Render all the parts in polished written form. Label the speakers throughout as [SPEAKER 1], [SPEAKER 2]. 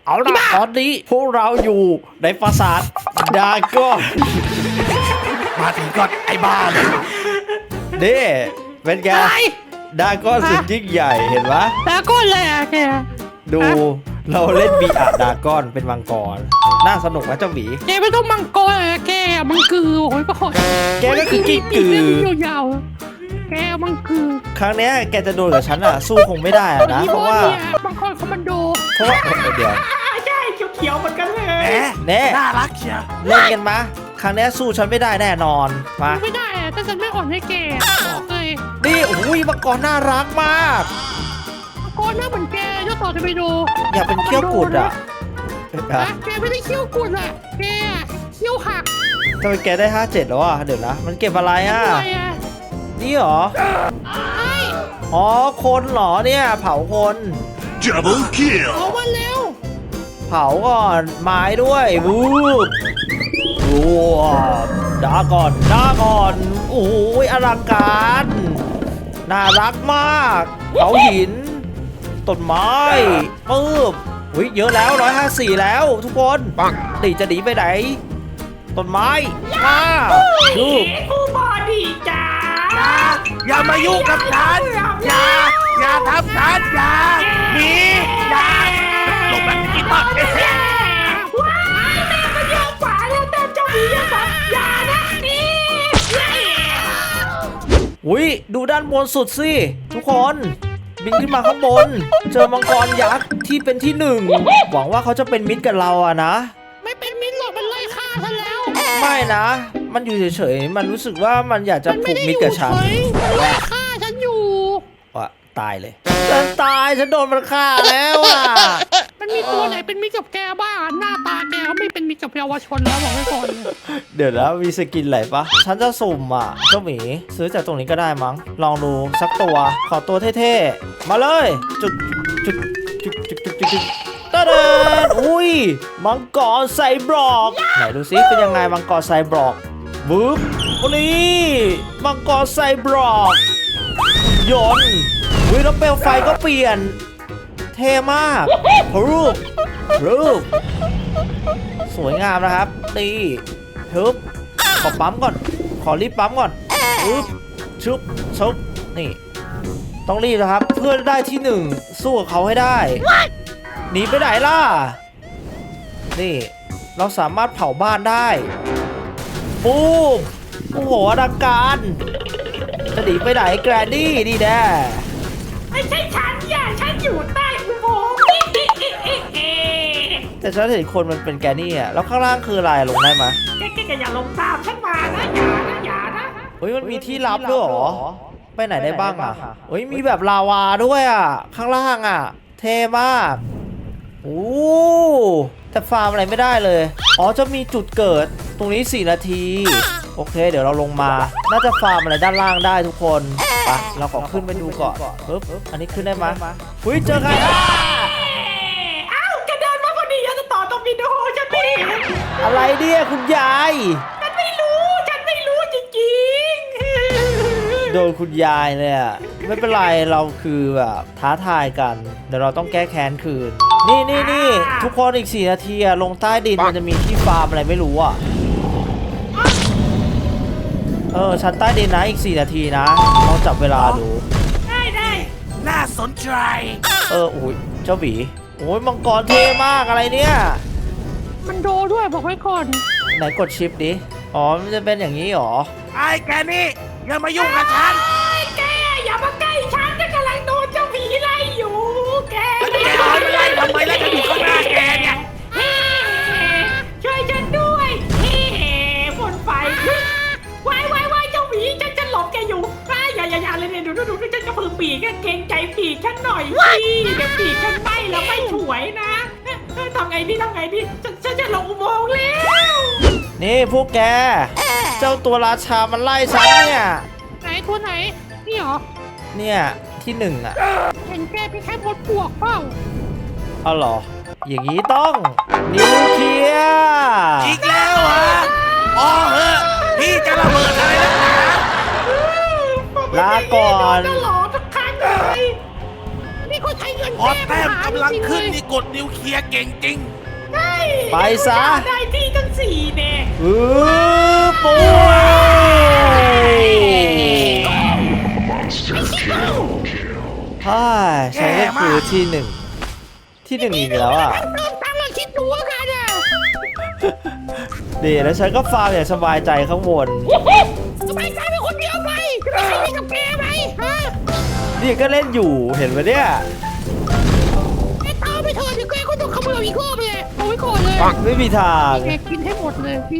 [SPEAKER 1] เอาล่ะตอนนี้พวกเราอยู่ในปราสาทดราก้อน
[SPEAKER 2] มาถึงก่อนไอ้บ้าเลย
[SPEAKER 1] นี่เป็นไงดราก้อนสุดยิ่งใหญ่เห็นปะ
[SPEAKER 3] แล้วก็เลยอ่ะแก
[SPEAKER 1] ดูเราเล่นบีอาดราก้อนเป็นมังกรน่าสนุกนะเจ้าหมี
[SPEAKER 3] แกไม่ต้องมังกรอ่ะแกมังกือโอ้ยปะขอ
[SPEAKER 1] แกก็คือกิ้งกือ
[SPEAKER 3] ยาวๆแกมังกือ
[SPEAKER 1] ครั้งเนี้ยแกจะโดนกับฉันอ่ะสู้คงไม่ได้อะนะเพราะว่า
[SPEAKER 3] บางคนคอมมานโด
[SPEAKER 1] เดี๋ยว
[SPEAKER 4] ใช่เขียวๆเหมือนกันเลย
[SPEAKER 2] แหม
[SPEAKER 1] แน่
[SPEAKER 2] น่ารักเชียว
[SPEAKER 1] เล่นกันมาครั้งเนี้ยสู้ฉันไม่ได้แน่นอนมา
[SPEAKER 3] ไม่ได้อ่ะถ้าฉันไม่อ่อนให้แกบอกเลย
[SPEAKER 1] นี่โอ้ยมังกรน่ารักมาก
[SPEAKER 3] มังกรหน้าเหมือนแกเจ้าต่อจะไปดู
[SPEAKER 1] อยากเป็นเขี้ยวกุดอ่ะ
[SPEAKER 3] แกไม่ได้เขี้ยวกุดอ่ะแกเขี้ยวหัก
[SPEAKER 1] ทำไมแกได้57แล้วอ่ะเดี๋ยวนะมันเก็บอะไรอ่ะ
[SPEAKER 3] อะไรอ่ะ
[SPEAKER 1] นี่เหรอ
[SPEAKER 3] ไอ้
[SPEAKER 1] อ๋อคนเหรอเนี่ยเผาคน
[SPEAKER 2] Double kill
[SPEAKER 3] เอามาเร็ว
[SPEAKER 1] เผาก่อนไม้ด้วยวูบวูบด่าก่อนโอ้ยอลังการน่ารักมากเผาหินต้นไม้ปึ๊บอุ้ยเยอะแล้ว154แล้วทุกคนตีจะหนีไปไหนต้นไม้มาดู
[SPEAKER 4] ผู้บอดีจ้า
[SPEAKER 2] อย่ามายุ่งกับฉันอย่าทำฉันอย่าหนีอย่าหลบแบบนี้มา
[SPEAKER 4] ว้ายแม่ก็เยอะกว่าแล้วแต่เจ้าหมียังแบบอย่านะนี่
[SPEAKER 1] อุ้ยดูด้านบนสุดสิทุกคนบินขึ้นมาข้างบนเจอมังกรยักษ์ที่เป็นที่หนึ่งหวังว่าเขาจะเป็นมิตรกับเราอะนะ
[SPEAKER 3] ไม่เป็นมิตรหรอกมันไล่ฆ่าฉันแล้ว
[SPEAKER 1] ไม่นะ มันอยู่เฉยๆ มันรู้สึกว่ามันอยากจะ
[SPEAKER 3] มัน
[SPEAKER 1] ผู
[SPEAKER 3] ไม่
[SPEAKER 1] ก
[SPEAKER 3] ได้
[SPEAKER 1] มิ
[SPEAKER 3] อ
[SPEAKER 1] ตร
[SPEAKER 3] ยู่
[SPEAKER 1] กับ
[SPEAKER 3] เฉ
[SPEAKER 1] ฉัน
[SPEAKER 3] ยมันไล่ฆ่าฉันอยู่
[SPEAKER 1] ว่ะตายเลย ฉันตาย ฉันโดนมันฆ่าแล้วอ่ะ
[SPEAKER 3] มันมีตัวไหนเป็นมิตรกับแกบ้างหน้าตาแกก็ไม่เป็นมิตรกับเยาวชนแล้วบอกไว้ก่อนเลย
[SPEAKER 1] เดี๋ยวนะมีสกินอะไรปะฉันจะสุ่มอ่ะเจ้าหมีซื้อจากตรงนี้ก็ได้มั้ง ลองดูสักตัว ขอตัวเท่ๆ มาเลย จุดตะเดินอุ้ย มังกรไซบรอก ไหนดูซิเป็นยังไงมังกรไซบรอกบึ๊บวันนี้มังกรไซบรอกยนต์อุ้ยแล้วเปลวไฟก็เปลี่ยน เท่มากรูปสวยงามนะครับนี่ฮึบขอปั๊มก่อน ขอรีบปั๊มก่อนฮึบชุบนี่ ต้องรีบนะครับ เพื่อได้ที่หนึ่งสู้กับเขาให้ได้หนีไปไหนล่ะนี่เราสามารถเผาบ้านได้ปูมโอ้โหอลังการจะหนีไปไหนแกรนดี้ดีแน่
[SPEAKER 4] ไม่ใช่ฉันอย่าฉันอยู่ใต้อุโมงค์
[SPEAKER 1] แต่ฉันเห็นคนมันเป็นแกนี่อ่ะแล้วข้างล่างคืออะไรลงได้ไหม
[SPEAKER 4] แกอย่าลงตามฉันมานะอย่านะ
[SPEAKER 1] เฮ้ยมันมีที่ลับด้วยเหรอไปไหนได้บ้างอ่ะเฮ้ยมีแบบลาวาด้วยอ่ะข้างล่างอ่ะเท่มากโอ้แต่ฟาร์มอะไรไม่ได้เลยอ๋อจะมีจุดเกิดตรงนี้4 นาทีโอเคเดี๋ยวเราลงมาน่าจะฟาร์มอะไรด้านล่างได้ทุกคนไปเราขอขึ้นไปดูก่อนปึ๊บอันนี้ขึ้นได้ไหมเฮ้ยเจอใครอ่ะ
[SPEAKER 4] อ้าวแกเดินมาพอดีจะต่อตรงวิดีโอฉันไม่เห็น
[SPEAKER 1] อะไรเนี่ยคุณยาย
[SPEAKER 4] ฉันไม่รู้จริงๆ
[SPEAKER 1] โดนคุณยายเลยอ่ะไม่เป็นไรเราคือแบบท้าทายกันเดี๋ยวเราต้องแก้แค้นคืนนี่ทุกคนอีก4 นาทีอะลงใต้ดินมันจะมีที่ฟาร์มอะไรไม่รู้อ่ะชั้นใต้ดินนะอีก4 นาทีนะลองจับเวลาดู
[SPEAKER 4] ได้
[SPEAKER 2] น่าสนใจ
[SPEAKER 1] โอ้ยเจ้าหวีโอ้ยมังกรเท่มากอะไรเนี่ย
[SPEAKER 3] มันโดด้วยบอกไว้ก่อน
[SPEAKER 1] ไหนกดชิปดิอ๋อมันจะเป็นอย่างนี้หรอ
[SPEAKER 2] ไอ้แกนี่อย่ามายุ่งกับฉัน
[SPEAKER 4] แกอย่ามาใกล้ฉันฉันกำลังโดนเจ้าผีไล่อยู่แก
[SPEAKER 2] แล้วแกเอาไปไล่ทำไมแล้วจะอยู่ข้างหน้าแกเนี่ย
[SPEAKER 4] เฮ้ช่วยฉันด้วยเฮ้บนไฟวายเจ้าหมีฉันหลบแกอยู่อย่าเลยเนี่ยดูฉันจะฝึกปีกเกรงใจปีกฉันหน่อยสิเดี๋ยวปีกฉันไหม้แล้วไม่สวยนะทำไงดีฉันจะลงอุโมงค์แล้ว
[SPEAKER 1] นี่พวกแกเจ้าตัวราชามันไล่ฉันเนี่ย
[SPEAKER 3] ไหนตัวไหนนี่เหรอ
[SPEAKER 1] เนี่ยที่หนึ่งอ่ะ
[SPEAKER 3] เห็นแกเป็นแค่มดปวกเปล่า
[SPEAKER 1] เอาเหรออย่างนี้ต้องนิวเคลียร์
[SPEAKER 2] อีกแล้วเหรออ๋อเหอะพี่จะระเบิดอะไรนักหนา
[SPEAKER 1] ลาก่อน
[SPEAKER 4] โดนตลอดทุกครั้งเลย
[SPEAKER 3] นี่เขาใช้เงิน
[SPEAKER 2] พอแต้มกำลังขึ้นนี่กดนิวเคลียร์เก่งจริง
[SPEAKER 4] ใช่
[SPEAKER 1] ไปซะ
[SPEAKER 4] ได้ที่ทั้ง4เนี่ย
[SPEAKER 1] ปุ้ยฮ่าฉันก็คือที่หนึ่งอีกแล้วอ่ะ
[SPEAKER 3] เติมตังค์เราคิดดูว่ากันอ่ะ
[SPEAKER 1] ดีแล้วฉันก็ฟาร์มอย่างสบายใจข้างบน
[SPEAKER 3] สบายใจเป็นคนเดียวไปจะไม่ใช่มีกับแกไหมฮะ
[SPEAKER 1] นี่ก็เล่นอยู่เห็นไหมเนี่ย
[SPEAKER 3] ไอ้ตาไปเถอะเดี๋ยวแกก็ต้องขโมยอีกรอบเลยเอาไว้ก่อนเลย
[SPEAKER 1] ไม่มีทาง
[SPEAKER 3] แกกินให้หมดเลยพี่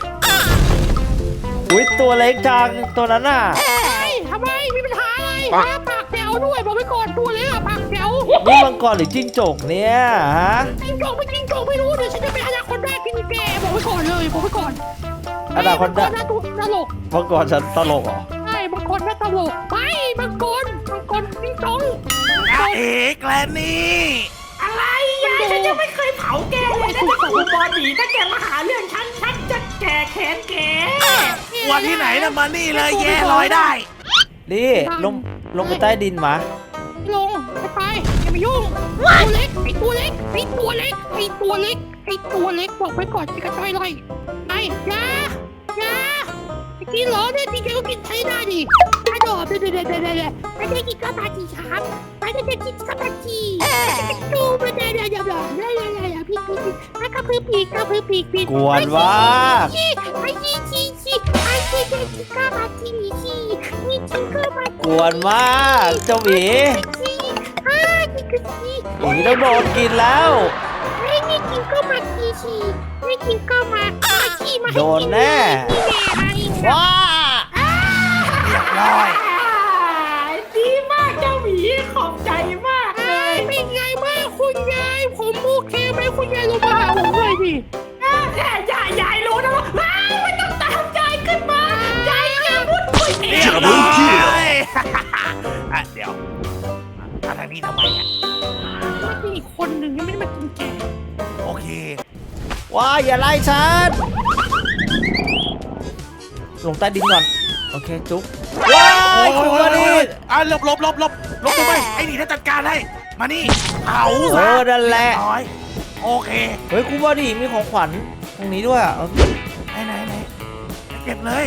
[SPEAKER 1] อุ้ยตัวเล็กจังตัวนั้นน่ะ
[SPEAKER 3] ทำไมมีปัญหาอะไรฮะปากแจ๋วด้วยบอกไว้ก่อนตัวเล็กอะปากแจ๋ว
[SPEAKER 1] นี่มังกรหรือจิ้งจกเนี่ยฮะ
[SPEAKER 3] จริงจงไม่รู้เดี๋ยวฉันจะเป็นอนาคตได้กินแกบอกไว้ก่อนเลยบอกไว้ก่อน
[SPEAKER 1] อนาคตได้
[SPEAKER 3] มังกรน่าตลก
[SPEAKER 1] มังกรฉันตลกเหรอ
[SPEAKER 3] ใช่มังกรน่าตลกไปมังกรจริงจง
[SPEAKER 2] อาเอกแกลนี่
[SPEAKER 4] อะไรยายฉันยังไม่เคยเผาแกเลยนะแต่ครูบอดีถ้าแกมาหาเรื่องฉันจะแก่แค้นแก
[SPEAKER 2] วันที่ไหนนะมานี่เลยแย่ลอยได้
[SPEAKER 1] นี่ลงไปใต้ดินมา
[SPEAKER 3] ลงไปอย่ามายุ่งตัวเล็กไอ้ตัวเล็กบอกไว้ก่อนจะกระจายเลยไอ้ยากินเหรอเนี่ยจริงๆก็กินใช้ได้ดิไอ้ดอกเดี๋ยวไม่ได้กินข้าวปลาจีครับไม่ได้กินข้าวปลาจีดูไม่ได้พี่กระพือปีก
[SPEAKER 1] กวนว่า
[SPEAKER 3] ไอ้ชี้ไอ้เด็กกินข้าวปลาจีนี่กินข้าวปลาจี
[SPEAKER 1] กวนมากเจ้าหมี หมีต้องโดนกินแล้ว
[SPEAKER 3] ไม่กินก็มาทีไม่กินก็มาทีมา
[SPEAKER 1] โดนแน่ว้า
[SPEAKER 2] เรียบร้อย
[SPEAKER 4] ดีมากเจ้าหมีขอบใจมากเลย
[SPEAKER 3] เป็นไงบ้างคุณยายผมโอเคไหมคุณยายลงมาหาผมหน่อยดิ
[SPEAKER 4] ยายรู้นะว่ามันต้องตามยายขึ้นมายายแค่พูดคุยเอ
[SPEAKER 2] เรี
[SPEAKER 4] ง
[SPEAKER 2] ยบร้อยอ่ะเดี๋ยวมาทางนี้ทำไมอ่ะ
[SPEAKER 3] มันมีอีกคนหนึ่งยังไม่ได้มากินแก
[SPEAKER 2] โอเค
[SPEAKER 1] ว้าอย่าไล่ฉันลงใต้ดินก่อนโอเคจุ๊บว้ายคุณวานี
[SPEAKER 2] อ่ะหลบทำไมไอ้นี่ถ้าจัดการให้มานี่เผาซะ
[SPEAKER 1] นั่นแหละ
[SPEAKER 2] เรียบร้อยโอเค
[SPEAKER 1] เฮ้ยคุณวานีมีของขวัญตรงนี้ด้วยอ่ะ
[SPEAKER 2] ไหนเก็บเลย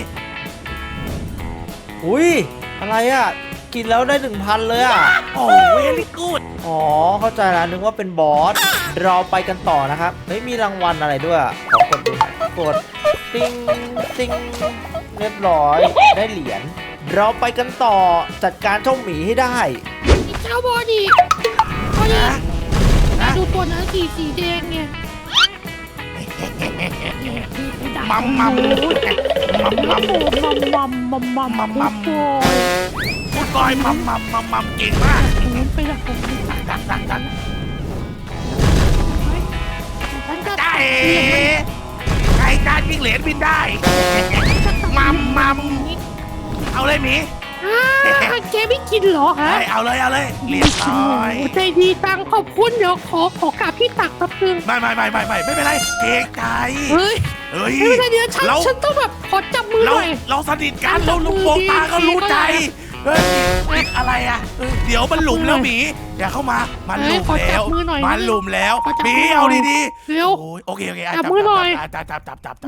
[SPEAKER 1] อุ้ยอะไรอ่ะกินแล้วได้ 1,000 เลยอ่ะ
[SPEAKER 2] โอ้เวลี่กูด
[SPEAKER 1] อ๋อเข้าใจแล้วนึกว่าเป็นบอสเราไปกันต่อนะครับเฮ้ยมีรางวัลอะไรด้วยขอกดดูหน่อยกดติ้งเรียบร้อยได้เหรียญเราไปกันต่อจัดการเจ้าหมีให้ได้
[SPEAKER 3] เจ้าบอดี้ดูตัวนั้นสีแดงเนี่ย
[SPEAKER 2] มัม
[SPEAKER 3] มัม
[SPEAKER 2] พูดก้อยมัมเก่งมาก
[SPEAKER 3] ไปละผม
[SPEAKER 2] ดัก
[SPEAKER 3] ฉันจะ
[SPEAKER 2] ได้ไก่จานยิงเหรียญบินได้มัมเอาเลยหมี
[SPEAKER 3] แกไม่กินเหรอฮะ
[SPEAKER 2] เอาเลยเรียบร้อย
[SPEAKER 3] ใจดีตังขอบคุณเดี๋ยวขอกราบพี่ตักแป๊บนึง
[SPEAKER 2] ไม่เป็นไรเกรงใจ
[SPEAKER 3] เฮ้ย
[SPEAKER 2] เฮ้ย
[SPEAKER 3] ไม่เป็นไรเดี๋ยวฉันต้องแบบขอจับมือหน่อย
[SPEAKER 2] เราสนิทกันเราลุงโปงตาก็รู้ใจเฮ้ยอะไรอ่ะเดี๋ยวมันหลุมแล้วหมีอย่าเข้ามามันหลุมแล้วมันหลุมแล้วหมีเอาดี
[SPEAKER 3] เร็ว
[SPEAKER 2] โอเคจับ
[SPEAKER 3] นี่จับมือ
[SPEAKER 2] จับ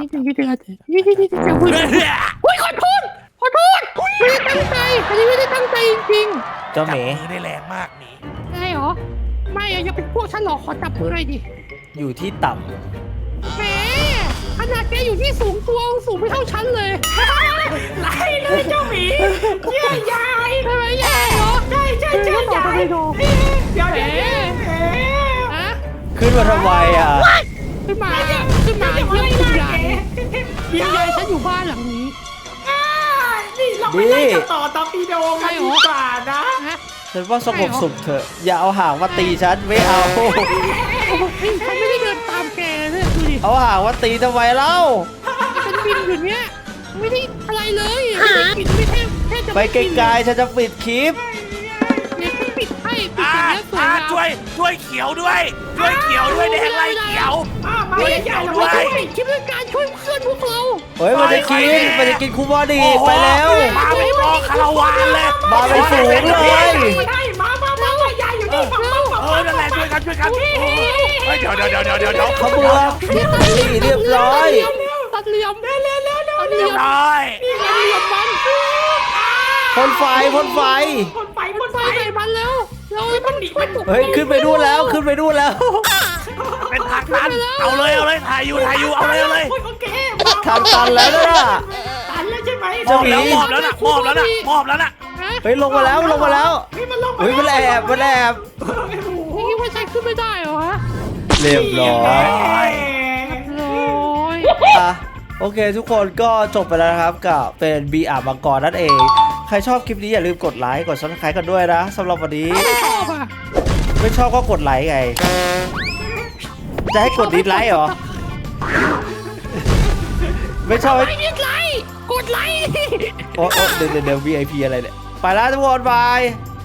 [SPEAKER 3] อุ้ยขอโทษไม่ได้ตั้งใจอันนี้ไม่ได้ตั้งใจจริง
[SPEAKER 1] เจ้าหมี
[SPEAKER 2] มือได้แรงมากหมี
[SPEAKER 3] ๆได้เหรอไม่อย่าเป็นพวกฉันหรอกขอจับมือหน่อยดิ
[SPEAKER 1] อยู่ที่ต่
[SPEAKER 3] แหมขนาดแกอยู่ที่สูงตัวสูงไม่เท่าฉันเลย
[SPEAKER 4] ไล่เลยเจ้าหมีเชื่อยาย
[SPEAKER 3] ใช่ไหมยายเหรอ
[SPEAKER 4] ใช่ยายเดี๋ยว
[SPEAKER 3] ฮะ
[SPEAKER 1] ำขึ้นมาทำไมอ่ะ
[SPEAKER 3] ขึ้นมาเยี่ยมคุณยายยายฉันอยู่บ้านหลังนี้
[SPEAKER 4] นี่เราไปไล่กับต่อตอร์ปิโดกันดีกว่านะ
[SPEAKER 3] ฮะ
[SPEAKER 1] ฉันว่าสงบสุขเถอะอย่าเอาหางมาตีฉันไม่เอา
[SPEAKER 3] ฉันไม่ได้เดินตามแกเลยดูดิ
[SPEAKER 1] เอาหางมาตีทำไมเล่า
[SPEAKER 3] ฉันบินอยู่เนี้ยไม่ได้อะไรเลยไม่ได้ปิดไม่แค่จะ
[SPEAKER 1] ไปไกลๆฉันจะปิดคลิป
[SPEAKER 3] เนี่ยฉันปิดให้ปิดอย่างนี้สวยงาม
[SPEAKER 2] ช่วยเขียวด้วยแดงไล่เขียว
[SPEAKER 4] มาเลยยาย
[SPEAKER 3] เราช่วยคิดเรื่องการช่วยเพื่อนพวกเรา
[SPEAKER 1] เฮ้ยมันจะกินคูบอดีไปแล้ว
[SPEAKER 2] มาเป็นกองคาราวานเลย
[SPEAKER 1] มาเป็นฝูงเลย
[SPEAKER 4] มายายอยู่นี่
[SPEAKER 2] กันช่วยกันเฮ้ยเดี๋ยว
[SPEAKER 1] เขาเบือกนี่เรียบร้อย
[SPEAKER 3] ตัดเหลี่ยมเร็วเร็วเร็วเร็ว
[SPEAKER 2] เรียบร้อย
[SPEAKER 3] ตัดเหลี่ยมมัน
[SPEAKER 1] พ่นไฟพ่นไฟ
[SPEAKER 4] คนไฟ
[SPEAKER 3] ไฟใส่มันแล้วเราให้มันช่วยปลุก
[SPEAKER 1] เฮ้ยขึ้นไปดูนแล้วขึ้นไปดูนแล้ว
[SPEAKER 2] เป็นทางตันเอาเลยถ่ายอยู่เอาเลย
[SPEAKER 4] โอเค
[SPEAKER 1] ทางตันแล้วนะ
[SPEAKER 4] ตันแล้วใช่ไหม
[SPEAKER 1] เจ้าหมี
[SPEAKER 2] มอบแล้วนะ
[SPEAKER 1] เฮ้ยลงมาแล้วลงมาแล้ว
[SPEAKER 4] เฮ้ยมันลง
[SPEAKER 1] เฮ้ยมันแอบมันแอบ
[SPEAKER 3] นี่คิดว่าใช้ขึ้นไม่ได้เหรอฮะ
[SPEAKER 1] เรียบร้อย
[SPEAKER 3] โอ้ย
[SPEAKER 1] อ่ะโอเคทุกคนก็จบไปแล้วนะครับกับเป็นบีอามังกรนั่นเอง ใครชอบคลิปนี้อย่าลืมกดไลค์กด Subscribe กันด้วยนะสำหรับวันนี้
[SPEAKER 3] ไม่ชอบอ่ะ
[SPEAKER 1] ไม่ชอบก็กดไลค์ไง จะให้กดดิสไลค์เหรอ ไม่ชอบ
[SPEAKER 3] ไม่ดิสไลค์กดไลค์
[SPEAKER 1] โอ้เดี๋ยว VIP อะไรเนี่ย ไปแล้วทุกคนบาย